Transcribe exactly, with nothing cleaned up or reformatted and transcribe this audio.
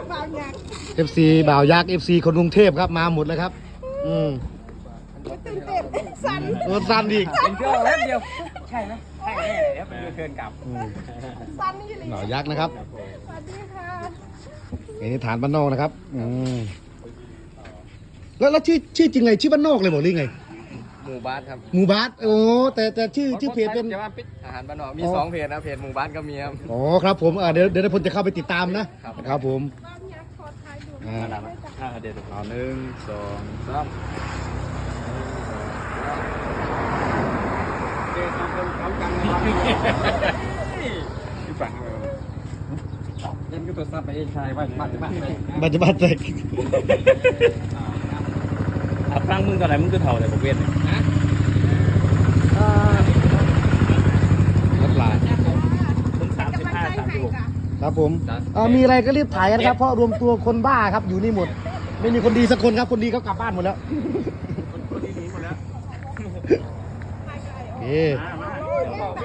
บ่าวยักษ์เอฟซีบ่าวยักษ์เอฟซีคนกรุงเทพครับมาหมดเลยครับอืมตื่นเต้นสั่นรถสั้นอีกเป็นเที่ยวแป๊บเดียวใช่ไหมใช่แน่เดี๋ยวไปเทินกลับอืมสั่นนี่เลยบ่าวยักษ์นะครับสวัสดีค่ะอันนี้ฐานบ้านนอกนะครับอืมแล้วแล้วชื่อชื่อจริงไงชื่อบ้านนอกเลยบอกหรือไงหมู่บ้านครับหมู่บ้านโอ้แต่แต่ชื่อชื่อเพจเป็นจะว่าปิดอาหารบ้านนอกมีสองเพจนะเพจหมู่บ้านก็มีครับอ๋อครับผมอ่าเดี๋ยวเดี๋ยวผมจะเข้าไปติดตามนะครับ ครับผมบ่าวยักษ์ขอถ่ายดูอ่าอ่าเดี๋ยวเอาหนึ่งสองสามเดี๋ยวทำคนพร้อมกันนะครับที่ฝังเลยเล่นก็ตัวซับไปเองชายว่าบ้านบ้านเลยบัจจุบันเด็กเอาครั้งมึงตอนไหนมึงก็เท่าเลยบอกเวียนรถลายมึงสามสิบห้าสามสิบหกครับผมอ่ามีอะไรก็รีบถ่ายกันครับเพราะรวมตัวคนบ้าครับอยู่นี่หมด ไม่มีคนดีสักคนครับคนดีเขากลับบ้านหมดแล้วคนดีหนีหมดแล้วโอเค